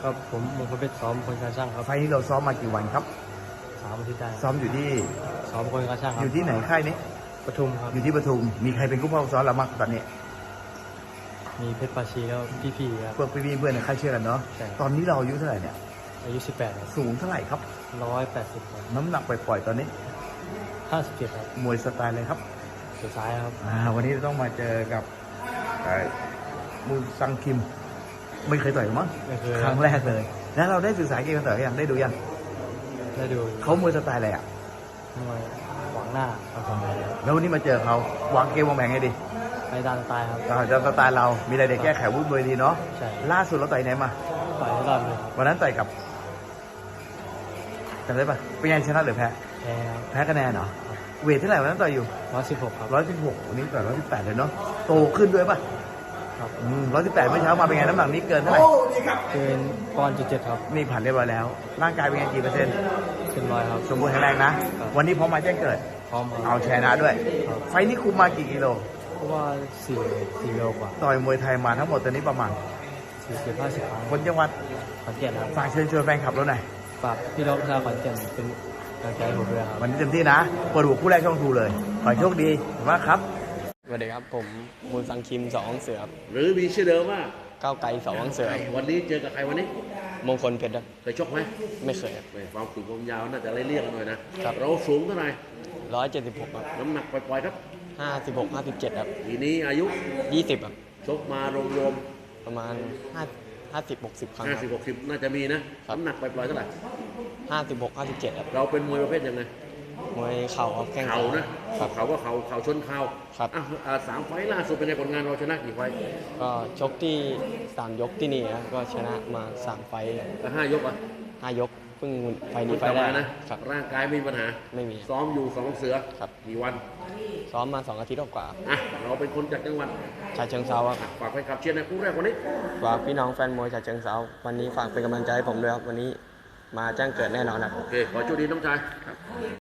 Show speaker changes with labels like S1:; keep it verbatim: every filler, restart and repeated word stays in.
S1: ครับผมมงคลเพชรซ้อมคนการช่างครับ
S2: ไฟล์นี้เราซ้อมมากี่วันครับ
S1: สามอาทิตย์ได้
S2: ซ้อมอยู่ที่
S1: ซ้อมคนการช่างครั
S2: อบยู่ที่ไหนค่ายนี้
S1: ปทุมครับ
S2: อยู่ที่ปทุมมีใครเป็นผู้เข้าซ้อมเราบ้างตอนนี้
S1: มีเพชรปาชีแล้วพี่ๆครับ
S2: พวกพี่ๆเพื่อนในค่ายเชื่อกันเนาะตอนนี้เราอายุเท่าไหร่เนี่ย
S1: อายุสิบแปด
S2: สูงเท่าไหร่ครับ
S1: ร้อยแปดสิบ
S2: น้ำหนักปล่อยๆตอนนี้
S1: ห้าสิบเจ็ดครับ
S2: มวยสไตล์เลยครับ
S1: สุดท้ายครับ
S2: อ่าวันนี้ต้องมาเจอกับมูซังคิมไม่เคยต่อยมั้ง
S1: ไม่เคย
S2: ครั้งแรกเลยแล้วเราได้ศึกษาเกมกันต่อยยังได้ดูยัง
S1: ได้ดู
S2: เขามวยสไตล์อะไรอ่ะ
S1: มวยหวังหน้าครับผม
S2: แล้ววันนี้มาเจอเขาวางเกมวางแผนไงดี
S1: ไปตามสไตล์ครับ
S2: จะสไตล์เรามีอะไรเด็กแก้ไขวุ้นเลยดีเนาะ
S1: ใช่
S2: ล่าสุดเราต่อยไหนมา
S1: ต่อยให้รอดเลย
S2: วันนั้นต่อยกับจำได้ปะเป็นไงชนะหรือแพ้
S1: แพ้ครับ
S2: แพ้คะแนนเหรอเวทเท่าไหร่วันนั้นต่อยอยู่
S1: ร้อยสิบหกครับ
S2: ร้อยสิบหกวันนี้ต่อยร้อยสิบแปดเลยเนาะโตขึ้นด้วยปะ
S1: ครับ
S2: ร้อยสิบแปดเมื่อเช้ามาเป็นไงน้ำหนักนี้เกินเท่าไหร่
S1: เกินปอนด์จุดเจ็ดครับ
S2: นี่ผ่านเรียบร้อยแล้วร่างกายเป็นไงกี่เปอร์เซ็นต์
S1: เป็นร้อยครับ
S2: สมบูรณ์แข็งแรงนะวันนี้พร้อมมาแจ้งเกิด
S1: พร้อม
S2: เอาชนะด้วยไฟนี้คุมมากี่กิโล
S1: เพราะว่าสี่สี่โลกว่า
S2: ต่อยมวยไทยมาทั้งหมดตอนนี้ประมาณ
S1: สี่สิบห้าสิบครั้ง
S2: คนจังหวัด
S1: ขอนแก่นครับ
S2: ฝากเชิญชวนแฟนคลับเราหน่อย
S1: ฝากพี่น้องชาวขอนแก่นเป็นกำลังใจให้ผมด้วยครับ
S2: วันนี้เต็มที่นะเปิดหัวคู่แรกช่องทูเลยขอโชคดีมากครับ
S1: สวัสดีครับผมมูลสังคิมสองเสือ
S3: หรือมีชื่อเดิมว่า
S1: ก้าวไกลสองเสือ
S3: วันนี้เจอกับใครวันนี้
S1: มงคลเพชร
S3: เคยชกไหม
S1: ไม่เคยครับ
S3: ความสูงความยาวน่าจะไล่เรียกกันหน่อยนะเราสูงเท่าไหร่
S1: ร้อยเจ็ดสิบหกครับ
S3: น้ำหนักปล่อยๆครับ
S1: ห้าสิบหกห้าสิบเจ็ดครับ
S3: ทีนี้อายุ
S1: ยี่สิบครับ
S3: ชกมารวม
S1: ๆประมาณห้าห้าสิบหกสิบครั้ง
S3: ห้าสิบหกสิบน่าจะมีนะน้ำหนักปล่อยๆเท่าไหร่
S1: ห้าสิบหกห้าสิบเจ็ดครับ
S3: เราเป็นมวยประเภทยังไง
S1: มวยเข่าครับแข้ง
S3: เข่านะเข่าก็เข่าเข่าชนเข่า
S1: ครับ
S3: อ่ะสามไฟล่าสุดเป็นในผลงานเราชนะกี่ไฟ
S1: ก็ชกที่สามยกที่นี่นะก็ชนะมาสามไฟ
S3: แล้วห้ายกอ่ะ
S1: ห้ายกเพิ่งไฟนี้ไฟแรก
S3: นะครับร่างกายไม่มีปัญหา
S1: ไม่มี
S3: ซ้อมอยู่สองเสือ
S1: ครับ
S3: กี่วัน
S1: ซ้อมมาสองอาทิตย์กว่า
S3: อ่ะเราเป็นคนจากจังหวัด
S1: ฉะเชิงเทรา
S3: ฝากไปขับเชียร์ในคู่แรกวันนี้
S1: ฝากพี่น้องแฟนมวยฉะเชิงเทราวันนี้ฝากเป็นกำลังใจให้ผมด้วยครับวันนี้มาแจ้งเกิดแน่นอนครับ
S3: โอเคขอโชคดีน้องชาย